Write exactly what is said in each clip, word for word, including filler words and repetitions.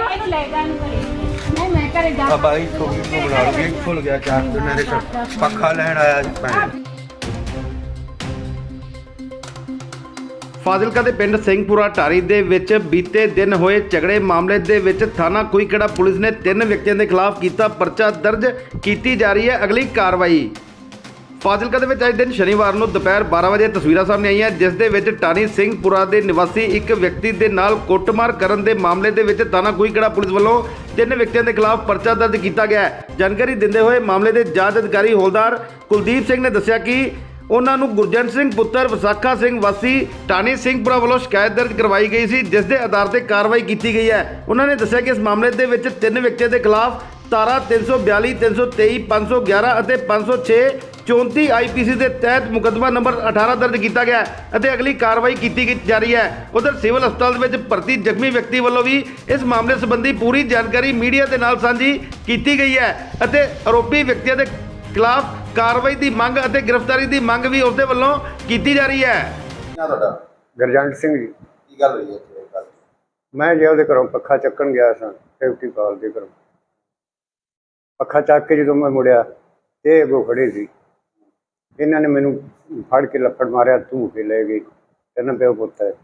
ਇਹਨੂੰ ਲੈ ਜਾ ਇਹਨੂੰ ਘਰੇ ਨਹੀਂ ਮੈਂ ਘਰੇ ਜਾ ਆ ਬਾਈ ਛੋਟੀ ਨੂੰ ਬਣਾ ਲਓ ਖੁੱਲ ਗਿਆ ਚਾਰ ਤੇ ਮੇਰੇ ਪੱਖਾ ਲੈਣ ਆਇਆ ਭੈਣ ਫਾਜ਼ਿਲਕਾ ਦੇ ਪਿੰਡ ਸਿੰਘਪੁਰਾ ਢਾਰੀ ਦੇ ਵਿੱਚ ਬੀਤੇ ਦਿਨ ਹੋਏ ਝਗੜੇ ਮਾਮਲੇ ਦੇ ਵਿੱਚ ਥਾਣਾ ਕੁਈਕੜਾ ਪੁਲਿਸ ਨੇ ਤਿੰਨ ਵਿਅਕਤੀਆਂ ਦੇ ਖਿਲਾਫ ਕੀਤਾ ਪਰਚਾ ਦਰਜ ਕੀਤੀ ਜਾ ਰਹੀ ਹੈ ਅਗਲੀ ਕਾਰਵਾਈ। ਫਾਜ਼ਿਲਕਾ ਦੇ ਵਿੱਚ ਅੱਜ ਦਿਨ ਸ਼ਨੀਵਾਰ ਨੂੰ ਦੁਪਹਿਰ ਬਾਰਾਂ ਵਜੇ ਤਸਵੀਰਾਂ ਸਾਹਮਣੇ ਆਈਆਂ ਜਿਸ ਦੇ ਵਿੱਚ ਢਾਣੀ ਸਿੰਘਪੁਰਾ ਦੇ ਨਿਵਾਸੀ ਇੱਕ ਵਿਅਕਤੀ ਦੇ ਨਾਲ ਕੁੱਟਮਾਰ ਕਰਨ ਦੇ ਮਾਮਲੇ ਦੇ ਵਿੱਚ ਥਾਣਾ ਕੁਈਕੜਾ ਪੁਲਿਸ ਵੱਲੋਂ ਤਿੰਨ ਵਿਅਕਤੀਆਂ ਦੇ ਖਿਲਾਫ ਪਰਚਾ ਦਰਜ ਕੀਤਾ ਗਿਆ ਹੈ। ਜਾਣਕਾਰੀ ਦਿੰਦੇ ਹੋਏ ਮਾਮਲੇ ਦੇ ਜਾਂਚ ਅਧਿਕਾਰੀ ਹੌਲਦਾਰ ਕੁਲਦੀਪ ਸਿੰਘ ਨੇ ਦੱਸਿਆ ਕਿ ਉਹਨਾਂ ਨੂੰ ਗੁਰਜੰਟ ਸਿੰਘ ਪੁੱਤਰ ਵਿਸਾਖਾ ਸਿੰਘ ਵਾਸੀ ਢਾਣੀ ਸਿੰਘਪੁਰਾ ਵੱਲੋਂ ਸ਼ਿਕਾਇਤ ਦਰਜ ਕਰਵਾਈ ਗਈ ਸੀ ਜਿਸ ਦੇ ਆਧਾਰ ਤੇ ਕਾਰਵਾਈ ਕੀਤੀ ਗਈ ਹੈ। ਉਹਨਾਂ ਨੇ ਦੱਸਿਆ ਕਿ ਇਸ ਮਾਮਲੇ ਦੇ ਵਿੱਚ ਤਿੰਨ ਵਿਅਕਤੀਆਂ ਦੇ ਖਿਲਾਫ ਧਾਰਾ ਤਿੰਨ ਸੌ ਬਿਆਲੀ ਤਿੰਨ ਸੌ ਤੇਈ ਪੰਜ ਸੌ ਗਿਆਰਾਂ ਅਤੇ ਪੰਜ ਸੌ ਛੇ ਚੌਂਤੀ ਆਈ ਪੀ ਸੀ ਦੇ ਤਹਿਤ ਮੁਕੱਦਮਾ ਨੰਬਰ ਅਠਾਰਾਂ ਦਰਜ ਕੀਤਾ ਗਿਆ ਹੈ ਅਤੇ ਅਗਲੀ ਕਾਰਵਾਈ ਕੀਤੀ ਜਾ ਰਹੀ ਹੈ। ਉਧਰ ਸਿਵਲ ਹਸਪਤਾਲ ਦੇ ਵਿੱਚ ਭਰਤੀ ਜ਼ਖਮੀ ਵਿਅਕਤੀ ਵੱਲੋਂ ਵੀ ਇਸ ਮਾਮਲੇ ਸੰਬੰਧੀ ਪੂਰੀ ਜਾਣਕਾਰੀ ਮੀਡੀਆ ਦੇ ਨਾਲ ਸਾਂਝੀ ਕੀਤੀ ਗਈ ਹੈ ਅਤੇ ਆਰੋਪੀ ਵਿਅਕਤੀਆਂ ਦੇ ਖਿਲਾਫ ਕਾਰਵਾਈ ਦੀ ਮੰਗ ਅਤੇ ਗ੍ਰਿਫਤਾਰੀ ਦੀ ਮੰਗ ਵੀ ਉਸਦੇ ਵੱਲੋਂ ਕੀਤੀ ਜਾ ਰਹੀ ਹੈ। ਤੁਹਾਡਾ ਗੁਰਜੰਟ ਸਿੰਘ ਜੀ। ਕੀ ਗੱਲ ਹੋਈ ਹੈ? ਮੈਂ ਜੇ ਉਹਦੇ ਘਰੋਂ ਪੱਖਾ ਚੱਕਣ ਗਿਆ ਸਾਂ ਸੇਫਟੀ ਕਾਲ ਦੇ ਘਰੋਂ ਪੱਖਾ ਚੱਕ ਕੇ ਜਦੋਂ ਮੈਂ ਮੁੜਿਆ ਤੇ ਅੱਗੋਂ ਖੜੇ ਸੀ ਇਹਨਾਂ ਨੇ ਮੈਨੂੰ ਫੜ ਕੇ ਲੱਫੜ ਮਾਰਿਆ ਧੂ ਕੇ ਲੈ ਗਏ। ਤਿੰਨ ਪਿਓ ਪੁੱਤ ਹੈ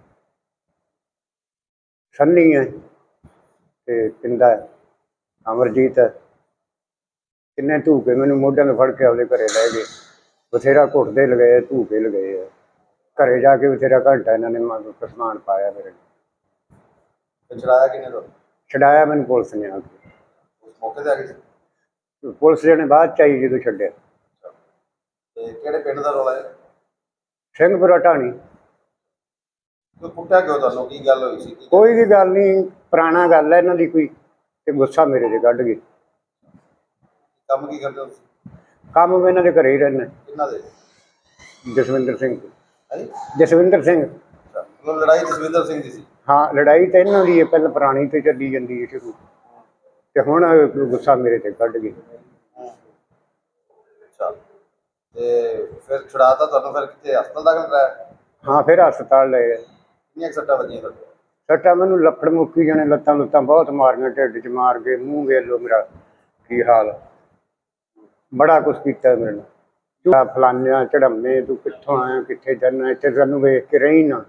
ਸੰਨੀ ਹੈ ਤੇ ਪਿੰਦਾ ਹੈ ਅਮਰਜੀਤ ਹੈ। ਕਿੰਨੇ ਧੂ ਕੇ ਮੈਨੂੰ ਮੋਢਿਆਂ ਤੋਂ ਫੜ ਕੇ ਆਪਦੇ ਘਰੇ ਲੈ ਗਏ। ਬਥੇਰਾ ਘੁੱਟਦੇ ਲਗਾਏ ਧੂ ਕੇ ਲਗਾਏ ਆ। ਘਰੇ ਜਾ ਕੇ ਬਥੇਰਾ ਘੰਟਾ ਇਹਨਾਂ ਨੇ ਮੈਨੂੰ ਸਮਾਨ ਪਾਇਆ ਮੇਰੇ ਛੜਾਇਆ ਕਿਨੇ ਤੋਂ? ਛਡਾਇਆ ਮੈਨੂੰ ਪੁਲਿਸ ਨੇ ਆ ਕੇ। ਉਸ ਮੌਕੇ ਤੇ ਆ ਗਈ ਸੀ ਪੁਲਿਸ ਜਿਹਨੇ ਬਾਅਦ ਚ ਆਈ ਜਦੋਂ ਛੱਡਿਆ। ਤੇ ਕਿਹੜੇ ਪਿੰਡ ਦਾ ਰੌਲਾ ਹੈ? ਸਿੰਘਪੁਰਾ ਢਾਣੀ। ਕੋਈ ਪੁੱਟਿਆ ਕਿਉਂ ਤੁਹਾਨੂੰ? ਕੀ ਗੱਲ ਹੋਈ ਸੀ? ਕੋਈ ਵੀ ਗੱਲ ਨਹੀਂ, ਪੁਰਾਣਾ ਗੱਲ ਹੈ ਇਹਨਾਂ ਦੀ ਕੋਈ, ਤੇ ਗੁੱਸਾ ਮੇਰੇ ਤੇ ਕੱਢ ਗਏ। ਕੰਮ ਕੀ ਕਰਦੇ ਹੋ ਤੁਸੀਂ? ਕੰਮ ਮੈਂ ਇਹਨਾਂ ਦੇ ਘਰੇ ਹੀ ਰਹਿੰਦਾ। ਕਿਹਨਾਂ ਦੇ? ਜਸਵਿੰਦਰ ਸਿੰਘ। ਹਾਂਜੀ ਜਸਵਿੰਦਰ ਸਿੰਘ। ਮਤਲਬ ਲੜਾਈ ਜਸਵਿੰਦਰ ਸਿੰਘ ਦੀ ਸੀ? ਹਾਂ, ਲੜਾਈ ਤਾਂ ਇਹਨਾਂ ਦੀ ਹੈ, ਪਹਿਲਾਂ ਪੁਰਾਣੀ ਤੇ ਚੱਲੀ ਜਾਂਦੀ ਹੈ ਸ਼ੁਰੂ, ਤੇ ਹੁਣ ਗੁੱਸਾ ਮੇਰੇ ਤੇ ਕੱਢ ਗਏ। ਅੱਛਾ, ਤੇ ਫਿਰ ਛੁਡਾਤਾ ਤੁਹਾਨੂੰ? ਫਿਰ ਕਿੱਥੇ ਹਸਪਤਾਲ ਦਾਖਲ ਕਰਾਇਆ? ਹਾਂ, ਫਿਰ ਹਸਪਤਾਲ ਲੈ ਗਏ। ਕਿੰਨੀਆਂ ਕੁ ਸੱਟਾਂ ਵੱਜੀਆਂ ਤੁਹਾਡੇ? ਸੱਟਾਂ ਮੈਨੂੰ ਲੱਫੜ ਮੁੱਕੀ ਜਾਣੇ, ਲੱਤਾਂ ਲੁੱਤਾਂ ਬਹੁਤ ਮਾਰੀਆਂ, ਢਿੱਡ 'ਚ ਮਾਰ ਕੇ, ਮੂੰਹ ਵੇਖ ਲਓ ਮੇਰਾ ਕੀ ਹਾਲ। ਬੜਾ ਕੁਛ ਕੀਤਾ ਮੇਰੇ ਨਾਲ। ਫਲਾਨਿਆਂ ਚੜਾਮੇ, ਤੂੰ ਕਿੱਥੋਂ ਆਇਆ, ਕਿੱਥੇ ਜਾਣਾ, ਇੱਥੇ ਸਾਨੂੰ ਵੇਖ ਕੇ ਰਹੀ ਨਾ।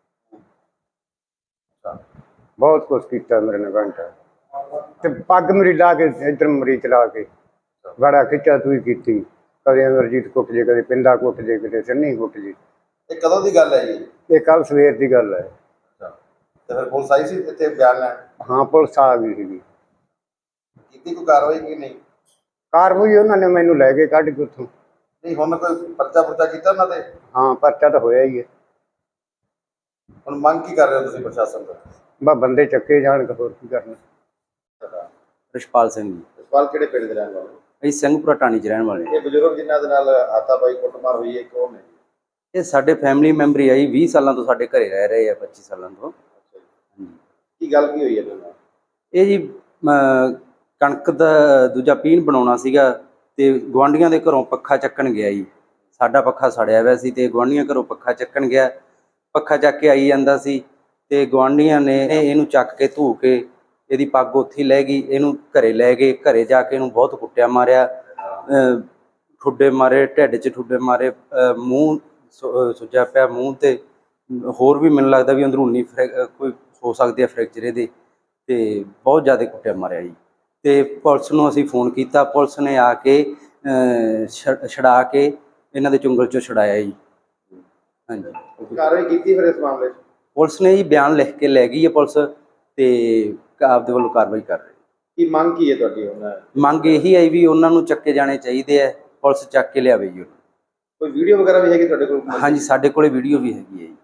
ਬਹੁਤ ਕੁਛ ਕੀਤਾ ਮੇਰੇ ਨਾਲ ਘੰਟਾ। ਤੇ ਪੱਗ ਮੇਰੀ ਲਾ ਕੇ ਇੱਧਰ ਮਰੀ ਚਲਾ ਕੇ ਬੜਾ ਖਿੱਚਾ ਤੂੰ ਹੀ ਕੀਤੀ। ਕਦੇ ਅਮਰਜੀਤ ਕੁੱਟ ਜੇ, ਕਦੇ ਪਿੰਦਾ ਕੁੱਟ ਜੇ, ਕਦੇ ਸੰਨੀ ਕੁੱਟ ਜੇ। ਇਹ ਕਦੋਂ ਦੀ ਗੱਲ ਹੈ ਜੀ? ਇਹ ਕੱਲ ਸਵੇਰ ਦੀ ਗੱਲ ਹੈ। ਤੇ ਫਿਰ ਪੁਲਿਸ ਆਈ ਸੀ ਇੱਥੇ ਬਿਆਨ ਲੈਣ? ਹਾਂ, ਪੁਲਿਸ ਆ ਗਈ ਸੀਗੀ। ਕੀਤੀ ਕੋਈ ਕਾਰਵਾਈ ਕਿ ਨਹੀਂ? ਕਾਰਵਾਈ ਉਹਨਾਂ ਨੇ ਮੈਨੂੰ ਲੈ ਕੇ ਕੱਢ ਕੇ ਉੱਥੋਂ। ਨਹੀਂ, ਹੁਣ ਕੋਈ ਪਰਚਾ ਪੁਰਚਾ ਕੀਤਾ ਉਹਨਾਂ ਤੇ? ਹਾਂ, ਪਰਚਾ ਤਾਂ ਹੋਇਆ ਹੀ ਹੈ। ਹੁਣ ਮੰਗ ਕੀ ਕਰ ਰਹੇ ਹੋ ਤੁਸੀਂ ਪ੍ਰਸ਼ਾਸਨ ਤੋਂ? ਬਸ ਬੰਦੇ ਚੱਕੇ ਜਾਣ, ਹੋਰ ਕੀ ਕਰਨਾ। ਰਿਸ਼ਪਾਲ ਸਿੰਘ ਜੀ। ਰਿਸ਼ਪਾਲ ਕਿਹੜੇ ਪਿੰਡ ਦੇ ਰਹਿਣ ਵਾਲੇ? ਅਸੀਂ ਸਿੰਘਪੁਰਾ ਢਾਣੀ 'ਚ ਰਹਿਣ ਵਾਲੇ। ਇਹ ਬਜ਼ੁਰਗ ਜਿਨ੍ਹਾਂ ਦੇ ਨਾਲ ਹਾਥਾਪਾਈ ਕੁੱਟਮਾਰ ਹੋਈ ਹੈ ਕੌਣ ਨੇ? ਇਹ ਸਾਡੇ ਫੈਮਿਲੀ ਮੈਂਬਰ ਹੀ ਵੀਹ ਸਾਲਾਂ ਤੋਂ ਸਾਡੇ ਘਰੇ ਰਹਿ ਰਹੇ ਆ, ਪੱਚੀ ਸਾਲਾਂ ਤੋਂ। ਕੀ ਗੱਲ ਕੀ ਹੋਈ ਹੈ ਇਹਨਾਂ? ਇਹ ਜੀ ਕਣਕ ਦਾ ਦੂਜਾ ਪੀਣ ਬਣਾਉਣਾ ਸੀਗਾ ਤੇ ਗੁਆਂਢੀਆਂ ਦੇ ਘਰੋਂ ਪੱਖਾ ਚੱਕਣ ਗਿਆ ਜੀ। ਸਾਡਾ ਪੱਖਾ ਸੜਿਆ ਹੋਇਆ ਸੀ ਤੇ ਗੁਆਂਢੀਆਂ ਘਰੋਂ ਪੱਖਾ ਚੱਕਣ ਗਿਆ। ਪੱਖਾ ਚੱਕ ਕੇ ਆਈ ਜਾਂਦਾ ਸੀ ਤੇ ਗੁਆਂਢੀਆਂ ਨੇ ਇਹਨੂੰ ਚੱਕ ਕੇ ਧੂ ਕੇ ਇਹਦੀ ਪੱਗ ਉੱਥੇ ਲੈ ਗਈ। ਇਹਨੂੰ ਘਰੇ ਲੈ ਗਏ। ਘਰੇ ਜਾ ਕੇ ਇਹਨੂੰ ਬਹੁਤ ਕੁੱਟਿਆ ਮਾਰਿਆ, ਠੁੱਡੇ ਮਾਰੇ, ਢਿੱਡ 'ਚ ਠੁੱਡੇ ਮਾਰੇ, ਮੂੰਹ ਸੁੱਜਿਆ ਪਿਆ ਮੂੰਹ, ਤੇ ਹੋਰ ਵੀ ਮੈਨੂੰ ਲੱਗਦਾ ਵੀ ਅੰਦਰੂਨੀ ਕੋਈ ਹੋ ਸਕਦੀ ਹੈ ਫ੍ਰੈਕਚਰ ਇਹਦੇ, ਤੇ ਬਹੁਤ ਜ਼ਿਆਦਾ ਕੁੱਟਿਆ ਮਾਰਿਆ ਜੀ। ਤੇ ਪੁਲਿਸ ਨੂੰ ਅਸੀਂ ਫੋਨ ਕੀਤਾ, ਪੁਲਿਸ ਨੇ ਆ ਕੇ ਛਡਾ ਕੇ ਇਹਨਾਂ ਦੇ ਚੁੰਗਲ 'ਚੋਂ ਛਡਾਇਆ ਜੀ। ਹਾਂਜੀ, ਕਾਰਵਾਈ ਕੀਤੀ ਫਿਰ ਇਸ ਮਾਮਲੇ 'ਚ? ਪੁਲਿਸ ਨੇ ਜੀ ਬਿਆਨ ਲਿਖ ਕੇ ਲੈ ਗਈ ਹੈ ਪੁਲਿਸ, ਤੇ ਆਪਦੇ ਵੱਲੋਂ ਕਾਰਵਾਈ ਕਰ ਰਹੀ। ਕੀ ਮੰਗ ਕੀ ਹੈ ਤੁਹਾਡੀ? ਹੁਣ ਮੰਗ ਇਹੀ ਹੈ ਵੀ ਉਹਨਾਂ ਨੂੰ ਚੱਕੇ ਜਾਣੇ ਚਾਹੀਦੇ ਆ, ਪੁਲਿਸ ਚੱਕ ਕੇ ਲਿਆਵੇ ਜੀ। ਕੋਈ ਵੀਡੀਓ ਵਗੈਰਾ ਵੀ ਹੈਗੀ ਤੁਹਾਡੇ ਕੋਲ? ਹਾਂਜੀ, ਸਾਡੇ ਕੋਲੇ ਵੀਡੀਓ ਵੀ ਹੈਗੀ ਹੈ ਜੀ।